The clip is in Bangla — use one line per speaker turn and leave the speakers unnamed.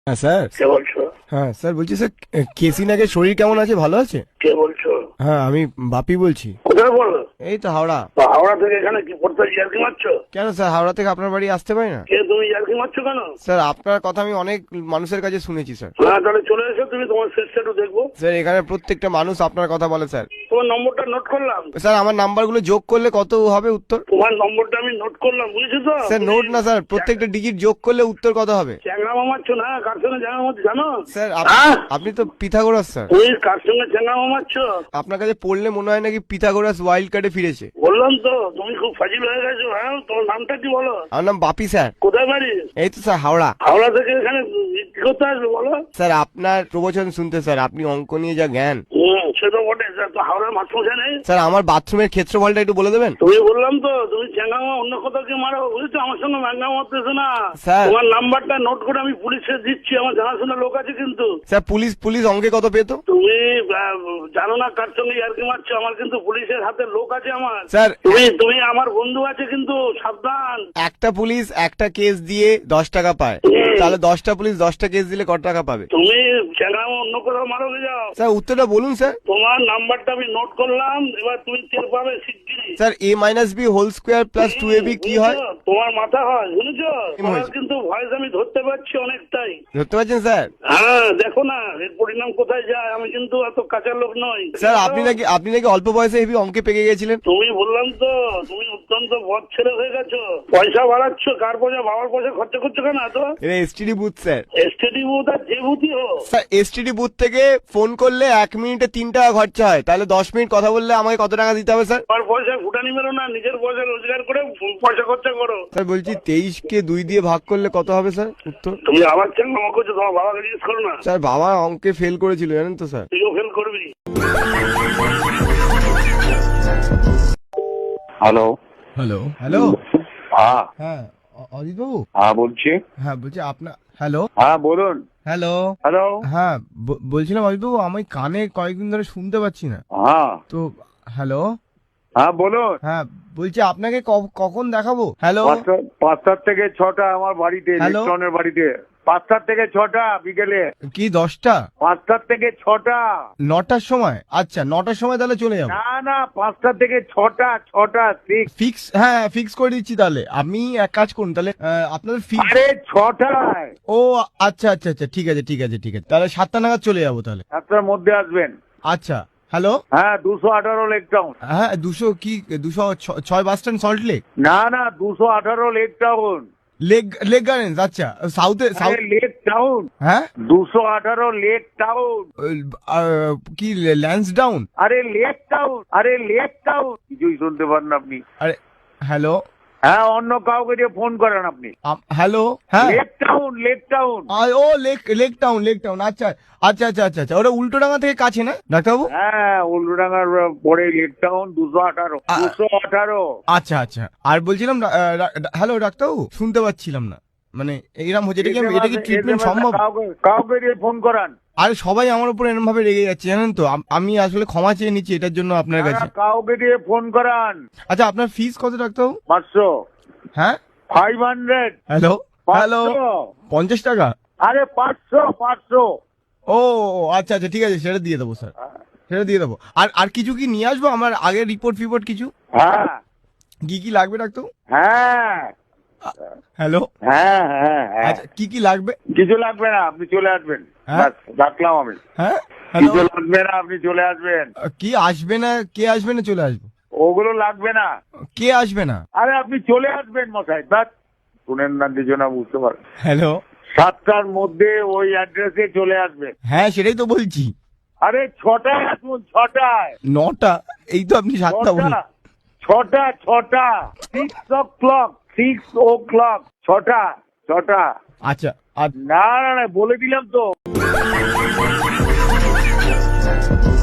হ্যাঁ স্যার।
কে বলছো?
হ্যাঁ স্যার, বলছি স্যার কেসি নাগের শরীর কেমন আছে, ভালো আছে?
কে বলছো?
হ্যাঁ আমি বাপি বলছি।
কোথায় বলো?
এই তো হাওড়া।
তো হাওড়া থেকে এখানে কি পড়তে ইয়ার্কি মারছো?
কেন স্যার, হাওড়া থেকে আপনার বাড়ি আসতে পারি না?
কে তুমি ইয়ার্কি মারছো কেন?
স্যার আপনার কথা আমি অনেক মানুষের কাছে শুনেছি স্যার।
হ্যাঁ তাহলে চলে এসো, তুমি তোমার শেষটা একটু দেখবো।
স্যার এখানে প্রত্যেকটা মানুষ আপনার কথা বলে স্যার।
তোমার নম্বরটা নোট করলাম।
স্যার আমার নাম্বারগুলো যোগ করলে কত হবে উত্তর?
তোমার নম্বরটা আমি নোট করলাম, বুঝেছো তো?
স্যার নোট না স্যার, প্রত্যেকটা ডিজিট যোগ করলে উত্তর কত হবে?
চ্যাংড়া মারছো না, কার সঙ্গে চ্যাংড়া মারছো জানো?
স্যার
হ্যাঁ?
আপনি তো পিথাগোরাস স্যার।
তুমি কার সঙ্গে চ্যাংড়া মারছো?
আপনার কাছে পড়লে মনে হয় নাকি পিথাগোরাস ওয়াইল্ড কার্ডে ফিরেছে।
বললাম তো তুমি খুব ফাজিল হয়ে গেছো। হ্যাঁ তোমার নামটা কি বলো?
আমার নাম বাপি স্যার।
কোথায় বাড়ি?
এই তো স্যার হাওড়া।
হাওড়া থেকে এখানে কি করতে আসবে বলো?
স্যার আপনার প্রবচন শুনতে স্যার, আপনি অঙ্ক নিয়ে যা জ্ঞান।
সে তো বটে স্যার, তো হাওড়ার মাস্টারমশাই নেই?
স্যার আমার বাথরুমের ক্ষেত্রফলটা একটু বলে দেবেন?
তুমি বললাম তো তুমি চ্যাংড়া অন্য কোথাও কি মারো, বুঝেছো? আমার সঙ্গে ম্যাঙ্গা মারতেছো না।
স্যার।
তোমার নাম্বারটা নোট করে আমি পুলিশে দিচ্ছি, আমার জানাশোনা লোক আছে কিন্তু।
স্যার পুলিশ অঙ্কে কত পেতো?
তুমি জানো না কার সঙ্গে ইয়ার্কি মারছো, আমার কিন্তু পুলিশের হাতে লোক আছে আমার।
স্যার
তুমি আমার বন্ধু আছে কিন্তু, সাবধান।
একটা পুলিশ একটা কেস দিয়ে 10 টাকা পায়, তাহলে 10টা পুলিশ 10টা কেস দিলে কত টাকা পাবে?
তুমি চ্যাংড়া অন্য কোথাও মারো যাও।
স্যার উত্তরটা বলুন স্যার।
তোমার নাম্বারটা আমি নোট করলাম, এবার তুমি টের পাবে শিগগিরই।
Sir a-b whole square plus 2ab কি হয়?
তোমার মাথা হয়, বুঝেছো?
কি
তোমার
হয়েছে?
কিন্তু ভয়েস আমি ধরতে পারছি অনেকটাই।
ধরতে পারছেন স্যার?
হ্যাঁ দেখো না এর পরিণাম কোথায় যায়, আমি কিন্তু এত কাঁচা লোক নই।
স্যার আপনি নাকি অল্প বয়সে হেভি অঙ্কে পেকে গেছিলেন।
তুমি বললাম তো তুমি অত্যন্ত বদ ছেলে হয়ে গেছো। পয়সা বাড়াচ্ছ, কার পয়সা? বাবার পয়সা খরচা করছো কেন এত?
এটা STD booth sir.
STD booth আর যে বুথই হোক।
স্যার এসটিডি বুথ থেকে ফোন করলে 1 মিনিটে 3 টাকা খরচা হয়, তাহলে 10 মিনিট কথা বললে আমাকে কত টাকা দিতে হবে স্যার?
আমার পয়সা ফুটানি মেরো না, নিজের পয়সা রোজগার করে পয়সা খরচা করো।
স্যার বলছি 23কে 2 দিয়ে ভাগ করলে কত হবে স্যার উত্তর?
তুমি আবার চ্যাংড়া করছো, তোমার বাবাকে জিজ্ঞেস করো না।
স্যার বাবা অঙ্কে ফেল করেছিল জানেন তো স্যার।
তুইও ফেল করবি।
হ্যালো।
Hello hello.
হ্যাঁ
হ্যাঁ অজিত বাবু।
হ্যাঁ বলছি।
হ্যাঁ বলছি আপনার, হ্যালো
হ্যাঁ বলুন।
হ্যালো।
হ্যালো।
হ্যাঁ বলছিলাম অজিত বাবু, আমি কানে কয়েকদিন ধরে শুনতে পাচ্ছি না
হ্যাঁ
তো। হ্যালো।
হ্যাঁ বলুন।
হ্যাঁ বলছি আপনাকে কখন দেখাবো? হ্যালো।
5টা থেকে 6টা আমার বাড়িতে,
হ্যালো?
ইলেকট্রনের বাড়িতে। 5টা থেকে 6টা বিকেলে।
কি 10টা?
5টা থেকে 6টা।
9টার সময়? আচ্ছা 9টার সময় তাহলে চলে যাবো।
না না 5টা থেকে 6টা
ফিক্স, হ্যাঁ ফিক্স করে দিচ্ছি তাহলে। আপনি এক কাজ করুন তাহলে, আপনাদের ফিক্স।
আরে 6টায়।
ও আচ্ছা আচ্ছা আচ্ছা, ঠিক আছে ঠিক আছে ঠিক আছে, তাহলে 7টা নাগাদ চলে যাবো তাহলে।
7টার মধ্যে আসবেন।
আচ্ছা। হ্যালো।
হ্যাঁ 218 লেক টাউন।
হ্যাঁ 206 বাস স্ট্যান্ড, সল্ট লেক।
না না 218 লেক টাউন।
লেক গার্ডেন্স, আচ্ছা সাউথে সাউথ।
লেক টাউন।
হ্যাঁ
218 লেক টাউন।
কি ল্যান্স ডাউন?
আরে লেক টাউন, আরে লেক টাউন, কিছুই শুনতে পান না আপনি।
আরে হ্যালো।
হ্যাঁ অন্য কাউকে দিয়ে ফোন করেন আপনি।
হ্যালো। হ্যাঁ
লেক টাউন, লেক টাউন।
ও লেক টাউন আচ্ছা আচ্ছা আচ্ছা আচ্ছা আচ্ছা, ওটা উল্টোডাঙ্গা থেকে কাছে না ডাক্তারবাবু?
হ্যাঁ উল্লুডাঙ্গার পরে লেক টাউন 218।
আচ্ছা আচ্ছা। আর বলছিলাম হ্যালো ডাক্তারবাবু, শুনতে পাচ্ছিলাম না, মানে এইরকম হচ্ছে, এটা কি ট্রিটমেন্ট সম্ভব?
কাউকে দিয়ে ফোন করান।
আরে সবাই আমার উপর এরকম ভাবে রেগে যাচ্ছে জানেন তো, আমি আসলে ক্ষমা চেয়ে নিচ্ছি এটার জন্য আপনার কাছে।
কাউকে দিয়ে ফোন করান।
আচ্ছা আপনার ফিস কত ডাক্তারবাবু?
500।
হ্যাঁ
500।
Hello hello. 50 টাকা?
আরে 500।
ও আচ্ছা আচ্ছা ঠিক আছে, সেটা দিয়ে দেবো স্যার, সেটা দিয়ে দেবো। আর কিছু কি নিয়ে আসবো আমার আগের রিপোর্ট কিছু?
হ্যাঁ
কি লাগবে ডাক্তার?
হ্যাঁ
হ্যালো।
হ্যাঁ হ্যাঁ হ্যাঁ।
আচ্ছা কি লাগবে?
কিছু লাগবে না, আপনি চলে আসবেন।
হ্যাঁ?
ব্যাস, রাখলাম আমি।
হ্যাঁ হ্যালো।
কিছু লাগবে না, আপনি চলে আসবেন।
কি আসবে না? কে আসবে না চলে আসবো?
ওগুলো লাগবে না।
কে আসবে না?
আরে আপনি চলে আসবেন মশাই, ব্যাস। শুনেন না কিছু না, বুঝতে পারেন।
হ্যালো।
7টার মধ্যে ওই অ্যাড্রেসে চলে আসবেন।
হ্যাঁ সেটাই তো বলছি।
আরে 6টায় আসুন, 6টায়।
9টা? এই তো আপনি 7টা বলুন।
6টা 6 o'clock 6টা।
আচ্ছা
না না না বলে দিলাম তো।